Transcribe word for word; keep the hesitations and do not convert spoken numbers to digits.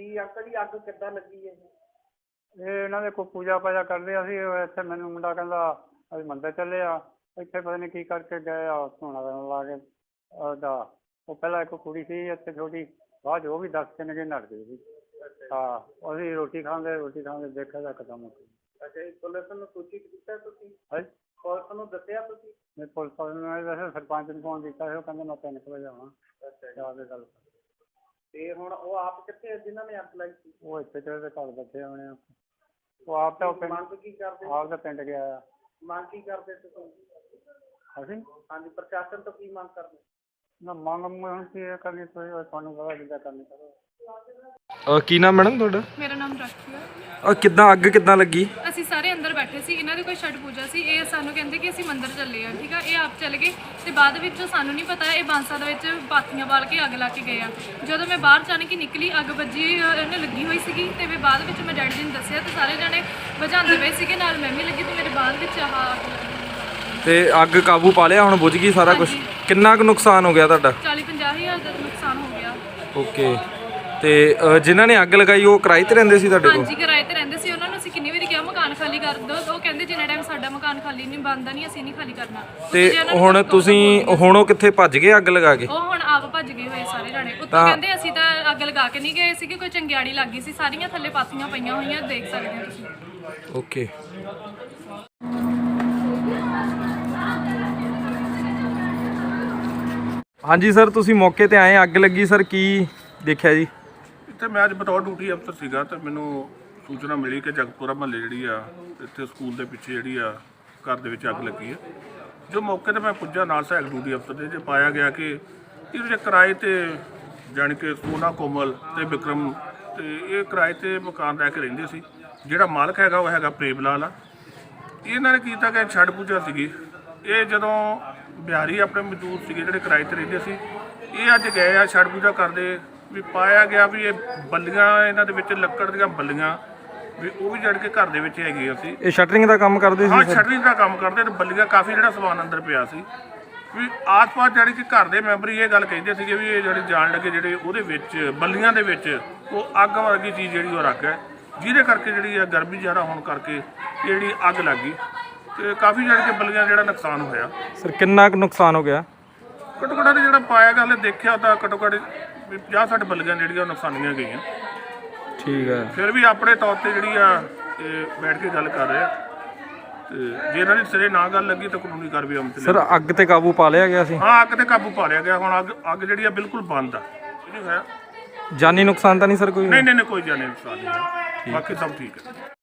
ਕੀ uncle ਜੀ ਅੱਗ ਕਿੱਦਾਂ ਲੱਗੀ ਹੈ? ਇਹ ਇਹਨਾਂ ਦੇ ਕੋਈ ਪੂਜਾ ਪਾਜਾ ਕਰਦੇ ਆ ਸੀ। ਇੱਥੇ ਮੈਨੂੰ ਮੁੰਡਾ ਕਹਿੰਦਾ ਅਸੀਂ ਮੰਦਰ ਚੱਲੇ ਆ, ਇੱਥੇ ਪਤਾ ਨਹੀਂ ਕੀ ਕਰਕੇ ਗਏ ਆ, ਧੂਣਾ ਲਾ ਕੇ ਉਹਦਾ ਉਹ ਪਹਿਲਾਂ ਇੱਕ ਕੁੜੀ ਸੀ ਇੱਥੇ ਛੋਟੀ, ਬਾਅਦ ਉਹ ਵੀ ਦੱਸ ਕੇ ਨਗੇ ਨੱਠ ਗਈ ਸੀ। ਹਾਂ ਅਸੀਂ ਰੋਟੀ ਖਾਂਦੇ ਰੋਟੀ ਖਾਂਦੇ ਦੇਖਿਆ ਤਾਂ ਕਦਮ। ਅੱਛਾ ਜੀ, ਪੁਲਿਸ ਨੂੰ ਸੂਚਿਤ ਕੀਤਾ ਤੁਸੀਂ? ਹਾਂ ਪੁਲਿਸ ਨੂੰ ਦੱਸਿਆ ਤੁਸੀਂ? ਮੈਂ ਪੁਲਿਸ ਵਾਲੇ ਨੂੰ ਇਹ ਦੱਸਿਆ, ਸਰਪੰਚ ਨੂੰ ਫੋਨ ਕੀਤਾ ਸੀ, ਉਹ ਕਹਿੰਦਾ ਮੈਂ ਤਿੰਨ ਕੁ ਵਜੇ ਆਉਣਾ। ਅੱਛਾ ਜਾ ਕੇ ਗੱਲ ਤੇ ਹੁਣ ਉਹ ਆਪ ਕਿੱਥੇ ਜਿਨ੍ਹਾਂ ਨੇ ਅੱਗ ਲਾਈ ਸੀ? ਉਹ ਇੱਥੇ ਤੇ ਉਹਦੇ ਘਰ ਬੈਠੇ ਹੋਣੇ ਆ। ਉਹ ਆਪ ਤਾਂ ਪਿੰਡ ਮੰਗ ਕੀ ਕਰਦੇ? ਆਪ ਦਾ ਪਿੰਡ ਗਿਆ ਆ। ਮੰਗ ਕੀ ਕਰਦੇ ਤੁਸੀਂ? ਅਸੀਂ ਹਾਂਜੀ, ਪ੍ਰਸ਼ਾਸਨ ਤੋਂ ਕੀ ਮੰਗ ਕਰਦੇ? ਨਾ ਮੰਗ ਹੁਣ ਕੀ ਕਰਨੀ, ਤੁਸੀਂ ਤੁਹਾਨੂੰ ਪਤਾ ਜਿੱਦਾਂ ਕਰਨੀ ਕਰੋ। ਕੀ ਨਾਮ ਮੈਡਮ ਤੁਹਾਡਾ? ਮੇਰਾ ਨਾਮ ਰਾਖੀ ਹੈ। ਆ ਕਿੱਦਾਂ ਅੱਗ ਕਿੱਦਾਂ ਲੱਗੀ? ਅਸੀਂ ਸਾਰੇ ਅੰਦਰ ਬੈਠੇ ਸੀ, ਇਹਨਾਂ ਦੀ ਕੋਈ ਛਠ ਪੂਜਾ ਸੀ। ਇਹ ਸਾਨੂੰ ਕਹਿੰਦੇ ਕਿ ਅਸੀਂ ਮੰਦਿਰ ਚੱਲੇ ਆ, ਠੀਕ ਆ। ਇਹ ਆਪ ਚੱਲ ਗਏ ਤੇ ਬਾਅਦ ਵਿੱਚ ਸਾਨੂੰ ਨਹੀਂ ਪਤਾ ਇਹ ਬਾਂਸਾ ਦੇ ਵਿੱਚ ਪਾਥੀਆਂ ਬਾਲ ਕੇ ਅੱਗ ਲਾ ਕੇ ਗਏ ਆ। ਜਦੋਂ ਮੈਂ ਬਾਹਰ ਜਾਣ ਕੇ ਨਿਕਲੀ ਅੱਗ ਵੱਜੀ ਇਹਨੇ ਲੱਗੀ ਹੋਈ ਸੀਗੀ ਤੇ ਮੈਂ ਬਾਅਦ ਵਿੱਚ ਮੈਂ ਡੈਡੀ ਜੀ ਨੂੰ ਦੱਸਿਆ ਤੇ ਸਾਰੇ ਜਣੇ ਬੁਝਾਉਂਦੇ ਪਏ ਸੀਗੇ, ਨਾਲ ਮੈਂ ਵੀ ਲੱਗੀ ਤੇ ਮੇਰੇ ਬਾਅਦ ਵਿੱਚ ਆਹ ਅੱਗ ਲੱਗੀ। ਤੇ ਅੱਗ ਕਾਬੂ ਪਾ ਲਿਆ, ਹੁਣ ਬੁਝ ਗਈ ਸਾਰਾ ਕੁਝ? ਕਿੰਨਾ ਕੁ ਨੁਕਸਾਨ ਹੋ ਗਿਆ ਤੁਹਾਡਾ? ਚਾਲੀ ਪੰਜਾਹ ਹਜ਼ਾਰ ਦਾ ਨੁਕਸਾਨ ਹੋ ਗਿਆ। ਓਕੇ, ਤੇ ਜਿਨ੍ਹਾਂ ਨੇ ਅੱਗ ਲਗਾਈ ਉਹ ਕਿਰਾਏ ਤੇ ਰਹਿੰਦੇ ਸੀ ਤੁਹਾਡੇ ਕੋਲ? ਹਾਂਜੀ, ਕਿਰਾਏ ਤੇ ਰਹਿੰਦੇ ਸੀ। ਉਹਨਾਂ ਨੂੰ ਅਸੀਂ ਕਿੰਨੀ ਵਾਰੀ ਕਿਹਾ ਮਕਾਨ ਖਾਲੀ ਕਰ ਦਿਓ, ਉਹ ਕਹਿੰਦੇ ਜਿੰਨਾ ਟਾਈਮ ਸਾਡਾ ਮਕਾਨ ਖਾਲੀ ਨਹੀਂ ਬਣਦਾ ਨਹੀਂ ਅਸੀਂ ਨਹੀਂ ਖਾਲੀ ਕਰਨਾ। ਤੇ ਹੁਣ ਤੁਸੀਂ ਹੁਣ ਉਹ ਕਿੱਥੇ ਭੱਜ ਗਏ ਅੱਗ ਲਗਾ ਕੇ? ਉਹ ਹੁਣ ਆਪ ਭੱਜ ਗਏ ਹੋਏ ਸਾਰੇ ਜਾਣੇ। ਉੱਤੋਂ ਕਹਿੰਦੇ ਅਸੀਂ ਤਾਂ ਅੱਗ ਲਗਾ ਕੇ ਨਹੀਂ ਗਏ ਸੀਗੇ, ਕੋਈ ਚੰਗਿਆੜੀ ਲੱਗ ਗਈ ਸੀ, ਸਾਰੀਆਂ ਥੱਲੇ ਪਾਥੀਆਂ ਪਈਆਂ ਹੋਈਆਂ ਦੇਖ ਸਕਦੇ ਹੋ ਤੁਸੀਂ। ਓਕੇ। ਹਾਂਜੀ ਸਰ, ਤੁਸੀਂ ਮੌਕੇ ਤੇ ਆਏ, ਅੱਗ ਲੱਗੀ ਸਰ, ਕੀ ਦੇਖਿਆ ਜੀ? ਇੱਥੇ ਮੈਂ ਅੱਜ ਬਤੌਰ ਡਿਊਟੀ ਅਫਸਰ ਸੀਗਾ ਤੇ ਮੈਨੂੰ ਸੂਚਨਾ ਮਿਲੀ ਕਿ ਜਗਤਪੁਰਾ ਮਹੱਲੇ ਜਿਹੜੀ ਆ ਇੱਥੇ ਸਕੂਲ ਦੇ ਪਿੱਛੇ ਜਿਹੜੀ ਆ ਘਰ ਦੇ ਵਿੱਚ ਅੱਗ ਲੱਗੀ ਹੈ। ਜੋ ਮੌਕੇ ਤੇ ਮੈਂ ਪੁੱਜਾ ਨਾਲ ਸਹਾਇਕ ਡਿਊਟੀ ਅਫਸਰ ਦੇ, ਜੇ ਪਾਇਆ ਗਿਆ ਕਿ ਇਹਦੇ ਕਿਰਾਏ ਤੇ ਜਾਣੀ ਕਿ ਸੋਨਾ ਕੋਮਲ ਤੇ ਵਿਕਰਮ ਤੇ ਇਹ ਕਿਰਾਏ ਤੇ ਮਕਾਨ ਲੈ ਕੇ ਰਹਿੰਦੇ ਸੀ। ਜਿਹੜਾ ਮਾਲਕ ਹੈਗਾ ਉਹ ਹੈਗਾ ਪ੍ਰੇਮ ਲਾਲ ਆ। ਇਹਨਾਂ ਨੇ ਕੀਤਾ ਕਿ ਛੱਡ ਪੂਜਾ ਸੀਗੀ। ਇਹ ਜਦੋਂ ਬਿਹਾਰੀ ਆਪਣੇ ਮਜ਼ਦੂਰ ਸੀਗੇ ਜਿਹੜੇ ਕਿਰਾਏ ਤੇ ਰਹਿੰਦੇ ਸੀ, ਇਹ ਅੱਜ ਗਏ ਆ ਛੱਡ ਪੂਜਾ ਕਰਦੇ, ਵੀ ਪਾਇਆ ਗਿਆ ਵੀ ਇਹ ਬੱਲੀਆਂ ਇਹਨਾਂ ਦੇ ਵਿੱਚ ਲੱਕੜ ਦੀਆਂ ਬੱਲੀਆਂ ਵੀ ਉਹ ਵੀ ਜੜ ਕੇ ਘਰ ਦੇ ਵਿੱਚ ਹੈਗੀਆਂ ਸੀ। ਇਹ ਸ਼ਟਰਿੰਗ ਦਾ ਕੰਮ ਕਰਦੇ ਸੀ? ਹਾਂ, ਸ਼ਟਰਿੰਗ ਦਾ ਕੰਮ ਕਰਦੇ ਤੇ ਬੱਲੀਆਂ ਕਾਫੀ ਜਿਹੜਾ ਸਮਾਨ ਅੰਦਰ ਪਿਆ ਸੀ। ਵੀ ਆਸ-ਪਾਸ ਜਿਹੜੀ ਕਿ ਘਰ ਦੇ ਮੈਂਬਰ ਇਹ ਗੱਲ ਕਹਿੰਦੇ ਸੀਗੇ ਵੀ ਇਹ ਜਿਹੜੇ ਜਾਣ ਲੱਗੇ ਜਿਹੜੇ ਉਹਦੇ ਵਿੱਚ ਬੱਲੀਆਂ ਦੇ ਵਿੱਚ ਉਹ ਅੱਗ ਵਰਗੀ ਚੀਜ਼ ਜਿਹੜੀ ਉਹ ਰੱਖ ਹੈ, ਜਿਹਦੇ ਕਰਕੇ ਜਿਹੜੀ ਆ ਗਰਮੀ ਜ਼ਿਆਦਾ ਹੋਣ ਕਰਕੇ ਜਿਹੜੀ ਅੱਗ ਲੱਗ ਗਈ ਤੇ ਕਾਫੀ ਜਿਹੜੀ ਕਿ ਬੱਲੀਆਂ ਜਿਹੜਾ ਨੁਕਸਾਨ ਹੋਇਆ। ਸਰ ਕਿੰਨਾ ਕੁ ਨੁਕਸਾਨ ਹੋ ਗਿਆ? ਘੱਟੋ ਘੱਟ ਜਿਹੜਾ ਪਾਇਆ ਗਿਆ ਹਲੇ ਦੇਖਿਆ ਤਾਂ ਘੱਟੋ ਘੱਟ ਪੰਜਾਹ ਸੱਠ ਬੱਲੀਆਂ ਜਿਹੜੀਆਂ ਨੁਕਸਾਨੀਆਂ ਗਈਆਂ। ਠੀਕ ਹੈ। ਫਿਰ ਵੀ ਆਪਣੇ ਤੌਰ ਤੇ ਜਿਹੜੀ ਆ ਇਹ ਬੈਠ ਕੇ ਗੱਲ ਕਰ ਰਹੇ ਆ ਤੇ ਜੇ ਇਹਨਾਂ ਦੀ ਸਿਰੇ ਨਾ ਗੱਲ ਲੱਗੀ ਤਾਂ ਕਾਨੂੰਨੀ ਕਾਰਵਾਈ ਅਮਲ ਚ। ਸਰ ਅੱਗ ਤੇ ਕਾਬੂ ਪਾ ਲਿਆ ਗਿਆ ਸੀ? ਹਾਂ, ਅੱਗ ਤੇ ਕਾਬੂ ਪਾ ਲਿਆ ਗਿਆ। ਹੁਣ ਅੱਗ ਅੱਗ ਜਿਹੜੀ ਆ ਬਿਲਕੁਲ ਬੰਦ ਆ। ਇਹ ਨਹੀਂ ਹੋਇਆ ਜਾਨੀ ਨੁਕਸਾਨ ਤਾਂ ਨਹੀਂ ਸਰ ਕੋਈ? ਨਹੀਂ ਨਹੀਂ ਕੋਈ ਜਾਨੀ ਨੁਕਸਾਨ ਨਹੀਂ, ਬਾਕੀ ਸਭ ਠੀਕ ਹੈ।